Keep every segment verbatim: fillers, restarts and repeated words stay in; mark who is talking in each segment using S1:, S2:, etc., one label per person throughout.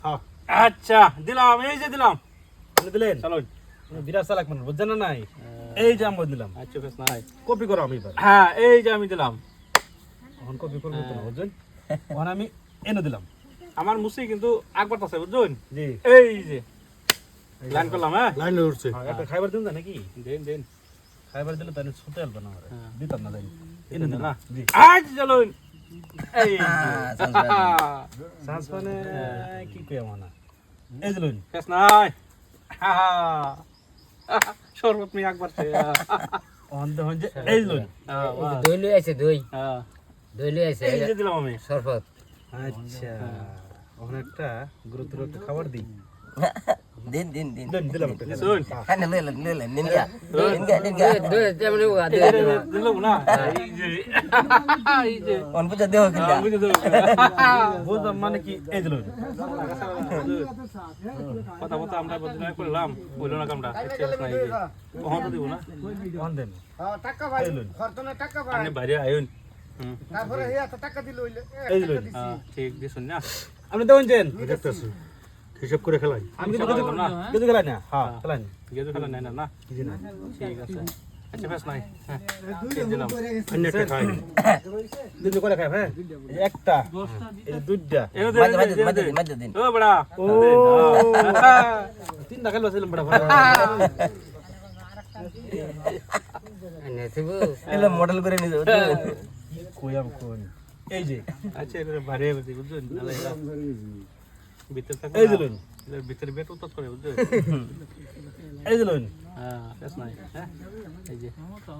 S1: হ্যাঁ
S2: আচ্ছা দিলাম, এই যে দিলাম।
S1: আপনি দিলেন
S2: চলো
S1: বিরাট চালাক মানুষ বুঝছেন না নাই এই যে আমি দিলাম
S2: আচ্ছা বেশ নাই।
S1: কপি করো আমি এবার
S2: হ্যাঁ এই যে আমি দিলাম।
S1: এখন কপি করবো তো না বুঝছেন এখন আমি এনে দিলাম
S2: আমার মুসি কিন্তু আকবার আছে বুঝছেন।
S1: জি
S2: এই যে লাইন করলাম। হ্যাঁ
S1: লাইন উঠছে একটা খাইবার দিন না নাকি
S2: দেন দেন
S1: খাইবার দিলে তাহলে ছুটে আসবে না আমার
S2: হ্যাঁ।
S1: দিতাম না জানি এনে
S2: এনে
S1: দিলাম
S2: না
S1: জি
S2: আজ চলুন। এই
S1: সাজ মানে কি কই আমার না এই দিলুন
S2: বেশ নাই। শরবত মি আকবার সে।
S1: অন্ধ হঞ্জে এই দিলুন
S3: দই লই আছে দই
S2: হ্যাঁ
S3: দই লই আছে
S2: এই যে দিলাম আমি।
S3: শরবত
S1: আচ্ছা ওখানে একটা গুরুত্ব একটা খাবার দিই
S4: দিন দিন দিন
S1: দিন দিলাম একটা খাবার।
S2: শুন
S4: খানে লইলেন লইলেন নিনগা নিনগা নিনগা
S3: দই তেমনি উগা দই
S2: দিলাম না। এই যে এই যে
S4: অন বুঝা দেও কিলা
S2: বুঝে দাও।
S1: বুঝলাম মানে কি এই দিলুন
S2: কথা কথা আমরা বদলা করলাম বললো না কামটা নাই যে কখন দিব না
S1: অন দেন
S5: হ্যাঁ টাকা ভাই
S1: এই লুন
S5: খরচনে টাকা ভাই
S2: আনে বাইরে আইন। হুম
S5: তারপরে হে এত টাকা দিল হইলে
S1: এই দিলুন
S2: হ্যাঁ ঠিক দিছুন না।
S1: আপনি দেবেন চেন দেখতেছি হিসাব করে খেলাই আমি কিন্তু
S2: হিসাব
S1: কিছু
S2: করো না।
S1: কিছু খেলাই না হ্যাঁ খেলাই না
S2: গেজু খেলা নাই না না।
S1: জি না
S2: ঠিক আছে আচ্ছা বেশ নাই। হ্যাঁ এই দিলাম।
S1: অন্য একটা খাই দুটো করে খাই হ্যাঁ এই একটা এই দুইটা
S2: এনে দে
S4: মাঝে মাঝে মাঝে দিন মাঝে দিন
S2: ও বড়া
S1: ও তিনটা খেলো ছিলাম বড় ভালো
S3: নে থিবু
S4: এলো মডেল করে নিয়ে যাও
S1: কই আম কোন এই যে
S2: আচ্ছা এটা বাইরে বসে বুঝছেন নালে এরা ভিতর থাকে
S1: এই দিলুন
S2: এর ভিতরে বেট উত্তর করে বুঝছেন।
S1: এই দিলুন
S2: হ্যাঁ বেশ নাই। হ্যাঁ এই যে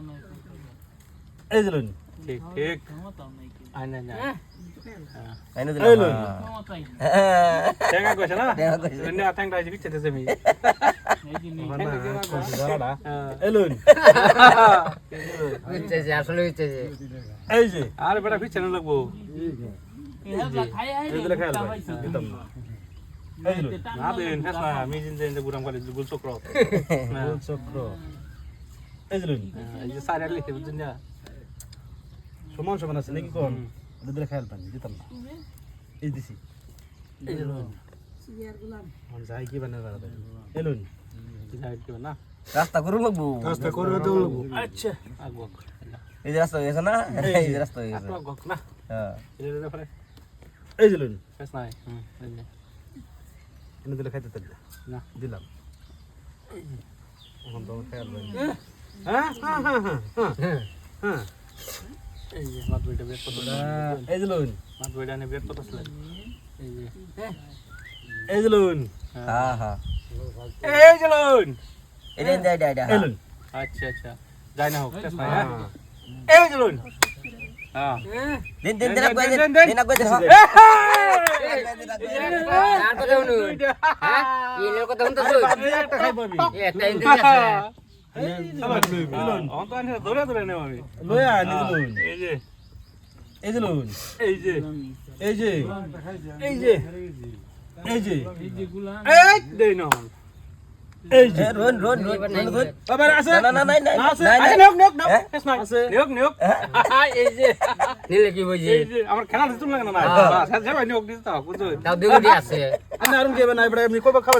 S1: এই দিলুন
S2: ঠিক ঠিক আই না না। হ্যাঁ
S4: আইনো
S1: এই
S4: দিলাম
S1: লুন
S2: টেঙ্গা কইছে না
S4: টেঙ্গা কইছে।
S2: এনে আটেঙ্গা আইছে বিচ্ছে দেছে আমি।
S1: মানে কোন জায়গাটা
S2: হ্যাঁ
S1: এই লুন
S3: উচ্চে আসলে উচ্চে
S1: এই যে
S2: আর বেটা বিচ্ছে না লাগবো।
S1: এই দিলে খেয়াল ভাই দিতাম না এই দিলুন
S2: না দেন বেশ না আমি জিন জিন গুরাম করে গুল চক্র। হ্যাঁ
S1: গোল চক্র এই দিলুন
S2: এই যে সাইরা লিখে বুঝছেন না।
S1: সমান সমান আছে নাকি কোন এই দিলে খেয়াল পানি দিতাম না এই দিছি
S2: এই যে
S1: আমার যাই কি বানাবে বেড়াতে এই লুন
S2: যাই কি না
S4: রাস্তা করুন লাগবো
S1: রাস্তা করবে তো
S2: আচ্ছা আগো
S4: এই যে রাস্তা হয়ে গেছে না এই যে রাস্তা হয়ে গেছে
S2: আগো না
S4: হ্যাঁ
S2: এর ব্যাপারে
S1: এই দিলুন
S2: বেশ নাই। হুম এই যে
S1: এনে দিলে খাইতে তাহলে
S2: না
S1: দিলাম এখন তো খেয়াল পানি হ্যাঁ হ্যাঁ হ্যাঁ হ্যাঁ হ্যাঁ
S2: এই যে মাত বইটা বের করতে
S1: এই দিলুন
S2: মাত বইটা নে বের করতে আসলে এই যে
S1: এই দিলুন
S4: হ্যাঁ হ্যাঁ
S2: এই চলুন।
S4: এটা এটা এটা এটা
S1: এই লুন
S2: আচ্ছা আচ্ছা যাই না হোক বেশ নাই। হ্যাঁ এই চলুন। হ্যাঁ
S4: দিন দিন দিন কই দিন দিন কই দিন
S3: আর কথা শুনুন হ্যাঁ ইলের কথা শুনতে শুন
S1: একটা খাই পাবি
S3: একটা ইন্দি আছে
S2: অন তো আনে ধরে ধরে নেব আমি।
S1: লয়া নি দিলুন
S2: এই যে
S1: এই দিলুন
S2: এই যে
S1: এই যে
S2: এই যে
S1: এই যে
S2: এই দেই না
S1: এই যে
S4: রোন রোন রোন রোন
S1: আবার আছে
S4: না না না না
S1: আছে
S4: না
S2: আচ্ছা নিয়োগ নিয়োগ
S4: হ্যাঁ?
S2: বেশ নাই
S1: আছে।
S2: নিয়োগ নিয়োগ এই যে
S3: নিলে কি বুঝি
S2: এই যে আমার খেলা দিতুম লাগে না না বাস হ্যাঁ যাবে নিয়োগ দিতে হবে বুঝছো।
S3: তাও দুগুটি আছে
S1: আমি আরুন কেবে না এবারে এমনি কবে খাবার